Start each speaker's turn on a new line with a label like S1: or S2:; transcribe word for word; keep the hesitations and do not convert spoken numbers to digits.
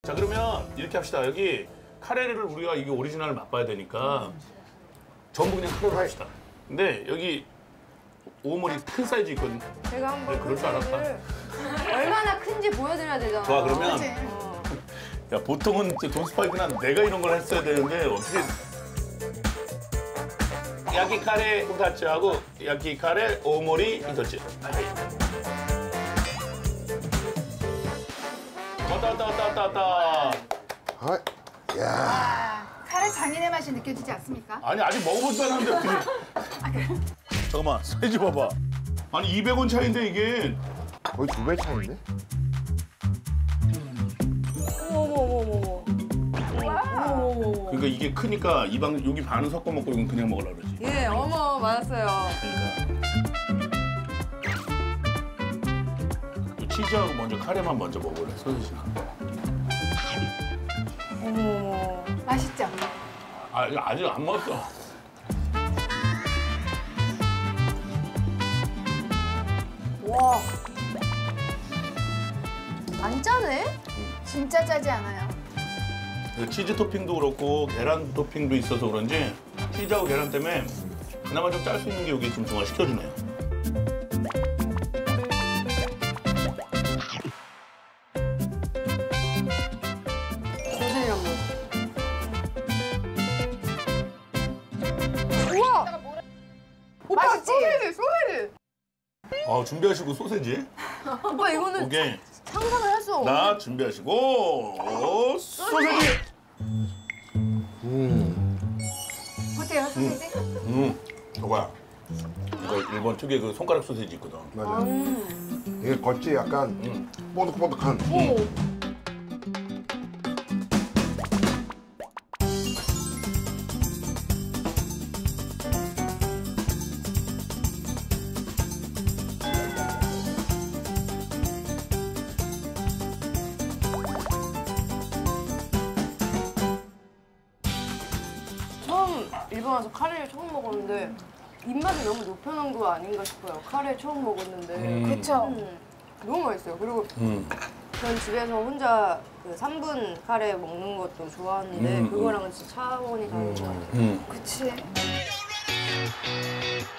S1: 자 그러면 이렇게 합시다. 여기 카레를 우리가 이게 오리지널을 맛봐야 되니까 전부 그냥 카레로 합시다. 근데 여기 오물이 큰 사이즈 있거든.
S2: 제가 한번
S1: 네, 그럴 줄 알았다.
S2: 얼마나 큰지 보여드려야 되잖아.
S1: 좋아 그러면
S2: 어.
S1: 야 보통은 돈 스파이크는 내가 이런 걸 했어야 되는데 어떻게 야키 카레 우타츠하고 야키 카레 오모리 이토츠. 왔다 왔다 왔다 왔다 왔다.
S3: 아, 야.
S4: 아, 카레 장인의 맛이 느껴지지 않습니까?
S1: 아니 아직 먹어보지도 않았는데 어떻게? 잠깐만 사이즈 봐봐. 아니 이백 원 차인데 이게.
S3: 거의 두 배 차인데?
S2: 어머 어머 어머 어머.
S1: 그러니까 이게 크니까 이 방 여기 반은 섞어 먹고 이건 그냥 먹으라 그러지.
S2: 예, 어머 맞았어요.
S1: 그러니까. 치즈하고 먼저 카레만 먼저 먹어볼래 소시지나.
S2: 어머.
S4: 맛있죠?
S1: 아 이거 아직 안 먹었어.
S2: 와. 안 짜네?
S4: 진짜 짜지 않아요.
S1: 치즈 토핑도 그렇고 계란 토핑도 있어서 그런지 치즈하고 계란 때문에 그나마 좀 짤 수 있는 게 여기 좀 중화시켜주네요.
S2: 소세지랑 뭐. 우와! 오빠
S4: 맛있지?
S2: 소세지, 소세지!
S1: 아 준비하시고 소세지.
S2: 오빠 이거는
S1: 오케이.
S2: 상상을 할 수 없는.
S1: 나 준비하시고 소세지.
S3: 음.
S4: 어때요, 소세지?
S1: 음, 저거야. 이거 일본 특유의 그 손가락 소세지 있거든.
S3: 맞아.
S2: 음.
S3: 이게 겉이 약간
S1: 음.
S3: 뽀득뽀득한.
S2: 오. 처음 일본 와서 카레를 처음 먹었는데 입맛을 너무 높여놓은 거 아닌가 싶어요. 카레 처음 먹었는데.
S1: 음.
S4: 그쵸?
S2: 음, 너무 맛있어요. 그리고
S1: 음.
S2: 전 집에서 혼자 그 삼 분 카레 먹는 것도 좋아하는데
S1: 음,
S2: 그거랑은 진짜 차원이 다른 것 같아요.
S1: 음.
S4: 그치.